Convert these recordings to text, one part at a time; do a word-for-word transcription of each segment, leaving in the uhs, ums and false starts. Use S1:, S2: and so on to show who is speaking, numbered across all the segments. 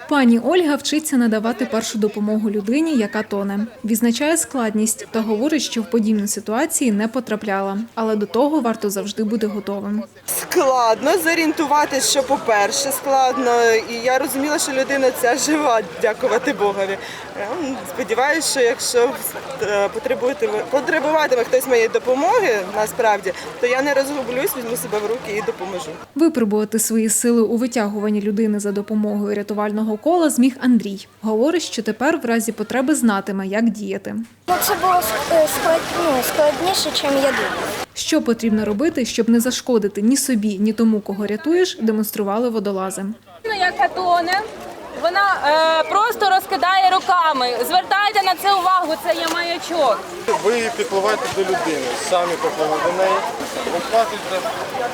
S1: Пані Ольга вчиться надавати першу допомогу людині, яка тоне. Відзначає складність та говорить, що в подібні ситуації не потрапляла. Але до того варто завжди бути готовим.
S2: Складно зорієнтуватися, що по-перше, складно. І я розуміла, що людина ця жива, дякувати Богові. Сподіваюся, що якщо потребуватиме хтось моєї допомоги, насправді, то я не розгублюсь, візьму себе в руки і допоможу.
S1: Випробувати свої сили у витягуванні людини за допомогою рятувального кола зміг Андрій. Говорить, що тепер в разі потреби знатиме, як діяти.
S3: Ну, це було складніше, ніж я думала.
S1: Що потрібно робити, щоб не зашкодити ні собі, ні тому, кого рятуєш, демонстрували водолази.
S4: Яка тоне, вона е, просто розкидає руками. Звертайте на це увагу, це є маячок.
S5: Ви підпливаєте до людини, самі підпливаєте до неї, розхватуєте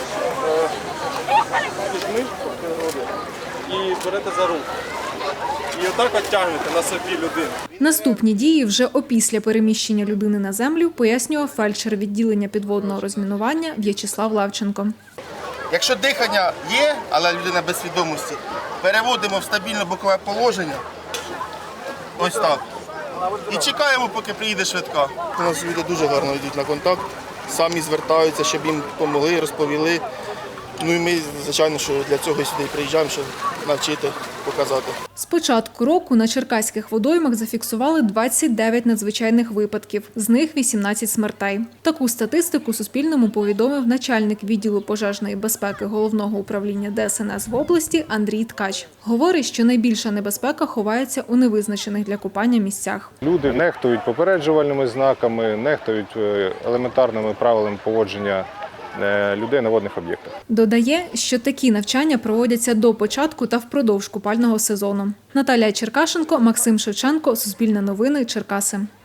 S5: людьми і берете за руку. І отак от тягнете на собі людину.
S1: Наступні дії вже опісля переміщення людини на землю пояснював фельдшер відділення підводного розмінування В'ячеслав Левченко.
S6: Якщо дихання є, але людина без свідомості, переводимо в стабільне бокове положення, ось так, і чекаємо, поки приїде швидка. У нас люди дуже гарно йдуть на контакт, самі звертаються, щоб їм допомогли, розповіли. Ну і ми, звичайно, що для цього сюди приїжджаємо, щоб навчити, показати.
S1: З початку року на черкаських водоймах зафіксували двадцять дев'ять надзвичайних випадків, з них вісімнадцять смертей. Таку статистику Суспільному повідомив начальник відділу пожежної безпеки Головного управління Де Ес Ен Ес в області Андрій Ткач. Говорить, що найбільша небезпека ховається у невизначених для купання місцях.
S5: Люди нехтують попереджувальними знаками, нехтують елементарними правилами поводження людей на водних об'єктах.
S1: Додає, що такі навчання проводяться до початку та впродовж купального сезону. Наталія Черкашенко, Максим Шевченко, Суспільне новини, Черкаси.